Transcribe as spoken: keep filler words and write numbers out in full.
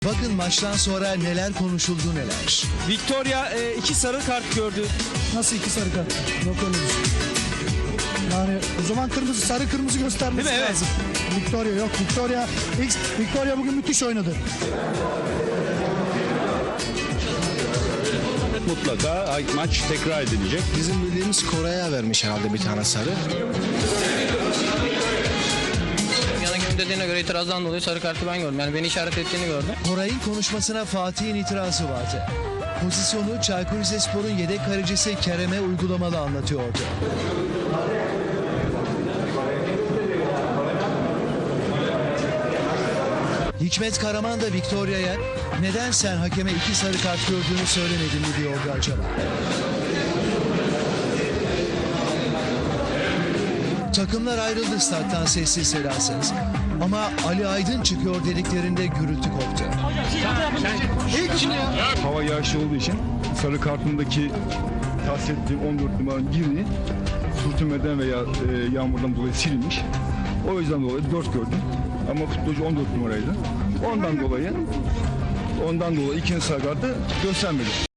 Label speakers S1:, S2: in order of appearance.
S1: Bakın maçtan sonra neler konuşuldu neler.
S2: Victoria e, iki sarı kart gördü.
S3: Nasıl iki sarı kart? Yok öyle bir şey. Yani o zaman kırmızı, sarı kırmızı göstermesi
S2: Değil mi? Evet.
S3: lazım. Victoria yok. Victoria, X, Victoria bugün müthiş oynadı.
S4: Mutlaka maç tekrar edilecek.
S5: Bizim bildiğimiz Kore'ye vermiş herhalde bir tane sarı.
S6: Yanık'ın dediğine göre itirazdan dolayı sarı kartı ben gördüm. Yani beni işaret ettiğini gördüm.
S1: Koray'ın konuşmasına Fatih'in itirazı vardı. Pozisyonu Çaykur Rizespor'un yedek kalecisi Kerem'e uygulamalı anlatıyordu. Hikmet Karaman da Victoria'ya neden sen hakeme iki sarı kart gördüğünü söylemedin mi diyordu acaba. Takımlar ayrıldı stat'tan sessiz sedasız. Ama Ali Aydın çıkıyor dediklerinde gürültü koptu.
S4: Hava yağışı olduğu için sarı kartındaki tahsis ettiğim on dört numaranın birini sürtünmeden veya e, yağmurdan dolayı silinmiş. O yüzden dolayı dört gördüm. Ama futbolcu on dört numaraydı. Ondan dolayı ondan dolayı ikinci sarı kartı göstermedi.